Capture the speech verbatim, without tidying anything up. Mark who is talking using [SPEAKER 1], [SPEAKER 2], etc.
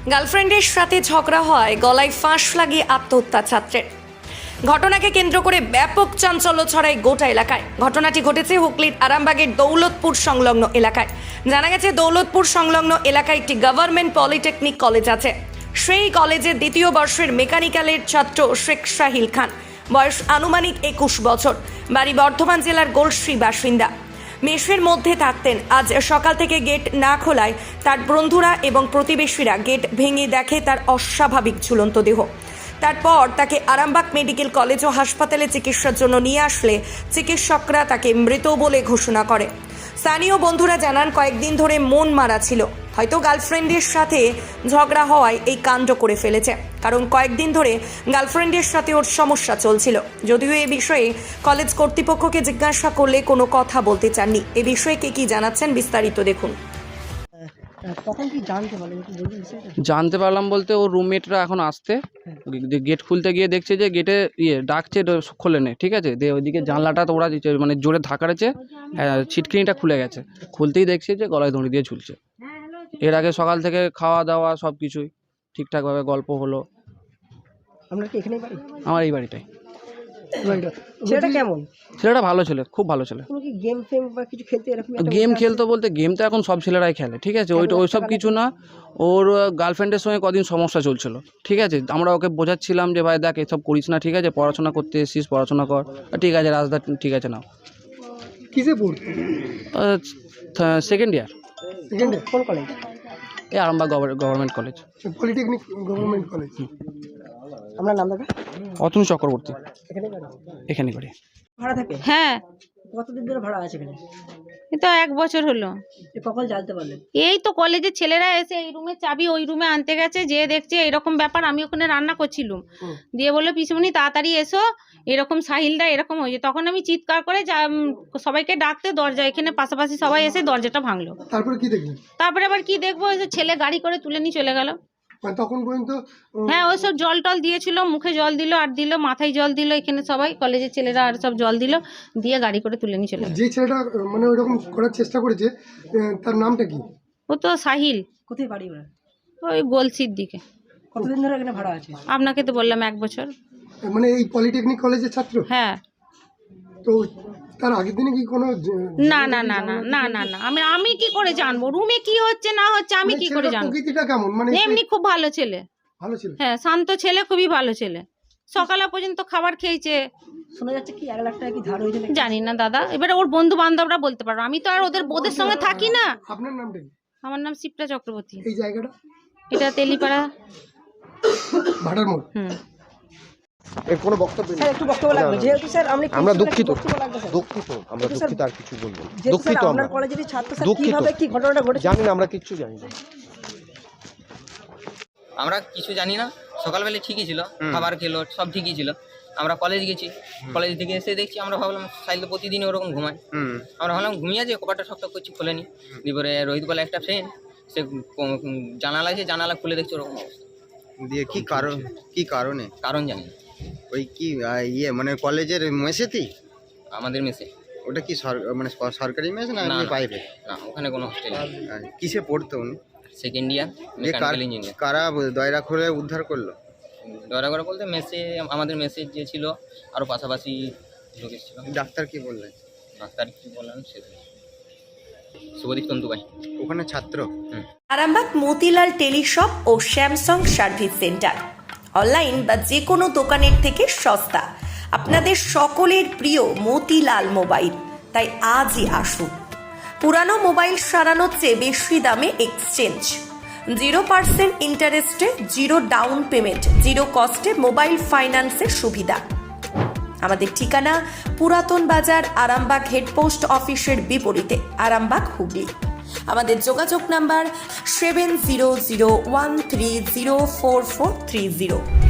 [SPEAKER 1] গার্লফ্রেন্ডের সাথে ঝগড়া হয়, গলায় ফাঁস লাগিয়ে আত্মহত্যা ছাত্রের। ঘটনাকে কেন্দ্র করে ব্যাপক চাঞ্চল্য ছড়ায় গোটা এলাকায়। ঘটনাটি ঘটেছে হুগলির আরামবাগের দৌলতপুর সংলগ্ন এলাকায়। জানা গেছে, দৌলতপুর সংলগ্ন এলাকায় একটি গভর্নমেন্ট পলিটেকনিক কলেজ আছে। সেই কলেজের দ্বিতীয় বর্ষের মেকানিক্যালের ছাত্র শেখ সাহিল খান, বয়স আনুমানিক একুশ বছর, বাড়ি বর্ধমান জেলার গোলশ্রী বাসিন্দা। মেসের মধ্যে থাকতেন। আজ সকাল থেকে গেট না খোলায় তার বন্ধুরা এবং প্রতিবেশীরা গেট ভেঙে দেখে তার অস্বাভাবিক ঝুলন্ত দেহ। তারপর তাকে আরামবাগ মেডিকেল কলেজ ও হাসপাতালে চিকিৎসার জন্য নিয়ে আসলে চিকিৎসকরা তাকে মৃত বলে ঘোষণা করে। স্থানীয় বন্ধুরা জানান, কয়েকদিন ধরে মন মারা ছিল, হয়তো গার্লফ্রেন্ডের সাথে ঝগড়া হওয়ায় এই কাণ্ড করে ফেলেছে। কারণ কয়েকদিন ধরে গার্লফ্রেন্ডের সাথে ওর সমস্যা চলছিল। যদিও এ বিষয়ে কলেজ কর্তৃপক্ষকে জিজ্ঞাসা করলে কোনো কথা বলতে চাননি। এ বিষয়ে কে কি জানাচ্ছেন বিস্তারিত দেখুন।
[SPEAKER 2] তখন কি জানতে পারলেন, একটু বলুন বিষয়টা?
[SPEAKER 3] জানতে পারলাম বলতে ওর রুমমেটরা এখন আসতে গেট খুলতে গিয়ে দেখছে যে গেটে ইয়ে ডাকছে, খোলে নেই, ঠিক আছে। দিয়ে ওইদিকে জানলাটা তো ওরা মানে জোরে ধাক্কাড়েছে, ছিটকিনিটা খুলে গেছে। খুলতেই দেখছে যে গলায় দড়ি দিয়ে ঝুলছে। এর আগে সকাল থেকে খাওয়া দাওয়া সব কিছুই ঠিকঠাকভাবে গল্প হলো।
[SPEAKER 2] আপনার কি এখানেই বাড়ি?
[SPEAKER 3] আমার এই বাড়িটাই।
[SPEAKER 2] ছেলেটা কেমন?
[SPEAKER 3] ছেলেটা ভালো ছেলে, খুব ভালো ছেলে।
[SPEAKER 2] কোনো কি গেম ফেম বা কিছু খেলতে এরকম?
[SPEAKER 3] গেম খেলতো বলতে গেম তো এখন সব ছেলেরাই খেলে, ঠিক আছে। ওইটা ওই সব কিছু না। ওর গার্লফ্রেন্ডের সঙ্গে কদিন সমস্যা চলছিল, ঠিক আছে। আমরা ওকে বোঝাচ্ছিলাম যে ভাই দেখ এসব করিস না, ঠিক আছে, পড়াশোনা করতে এসেছিস, পড়াশোনা কর। ঠিক আছে রাজদা, ঠিক আছে নাও।
[SPEAKER 2] কিসে পড়তো?
[SPEAKER 3] Second year.
[SPEAKER 2] Second year? কোন কলেজ?
[SPEAKER 3] এই Arambagh government college,
[SPEAKER 2] polytechnic government college. আপনার নাম দাদা?
[SPEAKER 3] অতনু চক্রবর্তী।
[SPEAKER 2] এখানে বাড়ি?
[SPEAKER 3] এখানে বাড়ি।
[SPEAKER 2] ভাড়া থাকে?
[SPEAKER 4] হ্যাঁ,
[SPEAKER 2] কতদিন ধরে ভাড়া আছে এখানে?
[SPEAKER 4] এই তো এক বছর হলো।
[SPEAKER 2] এ কখন জানতে পারলেন?
[SPEAKER 4] এই তো কলেজের ছেলেরা এসে এই রুমে চাবি ওই রুমে আনতে গেছে, যে দেখছে এরকম ব্যাপার। আমি ওখানে রান্না করছিলাম, দিয়ে বললো পিসুমনি তাড়াতাড়ি এসো, এরকম সাহিলদা এরকম হয়েছে। তখন আমি চিৎকার করে সবাইকে ডাকতে দরজা এখানে পাশাপাশি সবাই এসে দরজাটা ভাঙলো।
[SPEAKER 2] তারপরে কি দেখলেন?
[SPEAKER 4] তারপরে আবার কি দেখবো, ওই যে ছেলে গাড়ি করে তুলে নিয়ে চলে গেল।
[SPEAKER 2] মানে তখন পর্যন্ত?
[SPEAKER 4] হ্যাঁ, ওই সব জল টল দিয়েছিল, মুখে জল দিল আর দিল, মাথায় জল দিল, এখানে সবাই কলেজের ছেলেরা আর সব জল দিল, দিয়ে গাড়ি করে তুলে নিয়ে চলে গেল।
[SPEAKER 2] যে ছেলেটা মানে ওইরকম করার চেষ্টা করেছে তার নামটা কি?
[SPEAKER 4] ও তো সাহিল।
[SPEAKER 2] কোথায় বাড়ি ওরা?
[SPEAKER 4] ওই গোলসির দিকে।
[SPEAKER 2] কতদিন ধরে এখানে ভাড়া আছে?
[SPEAKER 4] আপনাকে তো বললাম এক বছর।
[SPEAKER 2] মানে এই পলিটেকনিক কলেজের ছাত্র?
[SPEAKER 4] হ্যাঁ।
[SPEAKER 2] তো তার আগের দিনে কি কোনো?
[SPEAKER 4] না না না না না না না আমি আমি কি করে জানবো রুমে কি হচ্ছে না হচ্ছে, আমি কি করে জানবো?
[SPEAKER 2] প্রকৃতিটা কেমন? মানে
[SPEAKER 4] এমনি খুব ভালো ছেলে।
[SPEAKER 2] ভালো ছিল?
[SPEAKER 4] হ্যাঁ, শান্ত ছেলে, খুবই ভালো ছেলে। সকালে পর্যন্ত খাবার খেয়েছে।
[SPEAKER 2] শোনা যাচ্ছে কি এক লাখ টাকা কি ধার হয়েছে?
[SPEAKER 4] জানি না দাদা, এবারে ওর বন্ধু বান্ধবরা বলতে পারো, আমি তো আর ওদের ওদের সঙ্গে থাকি না।
[SPEAKER 2] আপনার নামটা কি?
[SPEAKER 4] আমার নাম শিপ্রা চক্রবর্তী।
[SPEAKER 2] এই জায়গাটা?
[SPEAKER 4] এটা তেলিপাড়া
[SPEAKER 2] ভাটার মোড়।
[SPEAKER 4] হুম।
[SPEAKER 5] এর কোনো বক্তব্য নেই।
[SPEAKER 2] স্যার একটু বক্তব্য লাগবে, যেহেতু স্যার আমি
[SPEAKER 5] আমরা দুঃখিত,
[SPEAKER 2] দুঃখিত
[SPEAKER 5] দুঃখিত আমরা দুঃখিত, আর কিছু বলবো না।
[SPEAKER 2] দুঃখিত
[SPEAKER 5] দুঃখিত
[SPEAKER 2] আপনার
[SPEAKER 5] আমরা
[SPEAKER 2] কলেজের ছাত্র স্যার
[SPEAKER 5] দুঃখিত।
[SPEAKER 2] কিভাবে কি ঘটনাটা ঘটেছে
[SPEAKER 5] জানি না, আমরা কিচ্ছু জানি না।
[SPEAKER 6] আমরা কিছু জানি না। সকালবেলা ঠিকই ছিল, খাবার খেলো, সব ঠিকই ছিল। আমরা কলেজ গেছি, কলেজ থেকে এসে দেখছি, আমরা ভাবলাম সাইল তো প্রতিদিনই ওরকম ঘুমায়। আমরা ভাবলাম ঘুমিয়ে যে কপাটা শক্ত করছি, খোলেনি। এবারে রোহিত বলে একটা ফ্রেন্ড, সে জানালা আছে, জানালা খুলে দেখছে ওরকম অবস্থা।
[SPEAKER 7] দিয়ে কি কারণ, কি কারণে?
[SPEAKER 6] কারণ জানি না।
[SPEAKER 7] ওই কি আহ, ইয়ে মানে কলেজের মেসেতেই?
[SPEAKER 6] আমাদের মেসে।
[SPEAKER 7] ওটা কি সর- মানে স- সরকারি মেস না
[SPEAKER 6] না,
[SPEAKER 7] এমনি
[SPEAKER 6] না।
[SPEAKER 7] বাইরে?
[SPEAKER 6] না, ওখানে কোনো হোস্টেল নেই।
[SPEAKER 7] আর কিসে পড়তো উনি?
[SPEAKER 6] সেকেন্ড ইয়ার
[SPEAKER 7] যে কার-
[SPEAKER 6] মেকানিক্যাল ইঞ্জিনিয়ার।
[SPEAKER 7] কারা দয়রা খুলে উদ্ধার করলো?
[SPEAKER 6] দয়া করে বলতে মেসে, আমাদের মেসে যে ছিল আরও পাশাপাশি লোক এসেছিল।
[SPEAKER 7] ডাক্তার কি বললেন?
[SPEAKER 6] ডাক্তার কি বললেন সে শুভদীপ তন্তুবাই।
[SPEAKER 7] ওখানে ছাত্র?
[SPEAKER 1] আরামবাগ মতিলাল টেলিশপ ও স্যামসাং সার্ভিস সেন্টার, অনলাইন বা যে কোনো দোকানের থেকে সস্তা। আপনাদের সকলের প্রিয় মতিলাল মোবাইল, তাই আজই আসুন। পুরানো মোবাইল সারানোর চেয়ে বেশি দামে এক্সচেঞ্জ, জিরো পার্সেন্ট ইন্টারেস্টে, জিরো ডাউন পেমেন্ট, জিরো কস্টে মোবাইল ফাইন্যান্সের সুবিধা। আমাদের ঠিকানা পুরাতন বাজার, আরামবাগ হেডপোস্ট অফিসের বিপরীতে, আরামবাগ হুগলি। আমাদের যোগাযোগ number seven zero zero one three zero four four three zero.